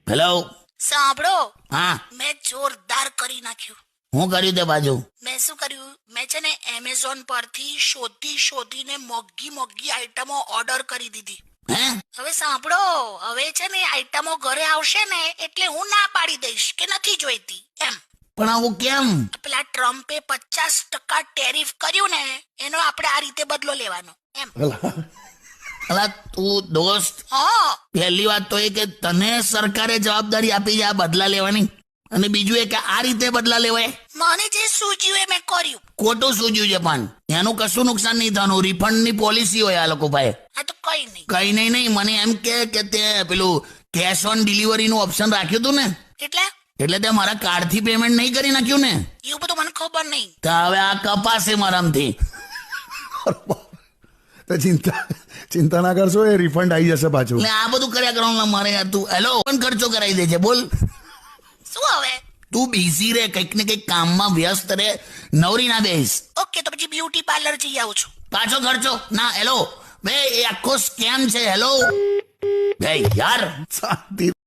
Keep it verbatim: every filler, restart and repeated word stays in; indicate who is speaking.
Speaker 1: Hello.
Speaker 2: સાંભળો,
Speaker 1: હા,
Speaker 2: મેં જોરદાર કરી નાખ્યું.
Speaker 1: હું કર્યું તે બાજુ?
Speaker 2: મેં શું કર્યું, મેં છે ને એમેઝોન પરથી શોધી શોધીને મોંઘી મોંઘી આઈટમો ઓર્ડર કરી દીધી.
Speaker 1: હે?
Speaker 2: હવે સાંભળો, હવે છે ને આઈટમો ઘરે આવશે ને એટલે હું ના પાડી દઈશ કે નથી જોઈતી એમ.
Speaker 1: પણ આવું કેમ?
Speaker 2: પેલા ટ્રમ્પે પચાસ ટકા ટેરિફ કર્યું ને એનો આપણે આ રીતે બદલો લેવાનો એમ.
Speaker 1: અલા તું દોસ્ત,
Speaker 2: હા,
Speaker 1: પહેલી વાત તો એ કે તને સરકારે જવાબદારી આપી છે આ બદલા લેવાની, અને બીજું એ કે આ રીતે બદલા લેવાય.
Speaker 2: મને જે સૂઝ્યું એ મેં કર્યું.
Speaker 1: ખોટું સૂજ્યું છે, પણ એનું કશું નુકસાન નહીં થવાનું. રિફંડની પોલિસી હોય આ લોકો પાસે.
Speaker 2: આ તો કઈ નહીં.
Speaker 1: કઈ નહીં નહીં મને એમ કે કે તે પેલું કેશ ઓન ડિલિવરીનું ઓપ્શન રાખ્યું હતું ને,
Speaker 2: એટલે
Speaker 1: એટલે તે મારા કાર્ડથી પેમેન્ટ નહીં કરી નાખ્યું ને,
Speaker 2: એવું બધું મને ખબર નહીં.
Speaker 1: તો હવે આ કપાશે મારામથી.
Speaker 3: તો ચિંતા ચિંતા ના કરશો, એ રિફંડ આવી જશે પાછું.
Speaker 1: એટલે આ બધું કર્યા કરવાનું મારે યાર. તું હેલો પણ ખર્ચો કરાવી દે છે. બોલ,
Speaker 2: શું હવે?
Speaker 1: તું બિઝી રે, કંઈક ને કંઈક કામમાં વ્યસ્ત રે, નવરી ના બેસ.
Speaker 2: ઓકે, તો પછી બ્યુટી પાર્લર જઈ આવું છું.
Speaker 1: પાછો ખર્ચો ના. હેલો બે, એ આખો સ્કેમ છે. હેલો બે યાર.
Speaker 3: શાંતિ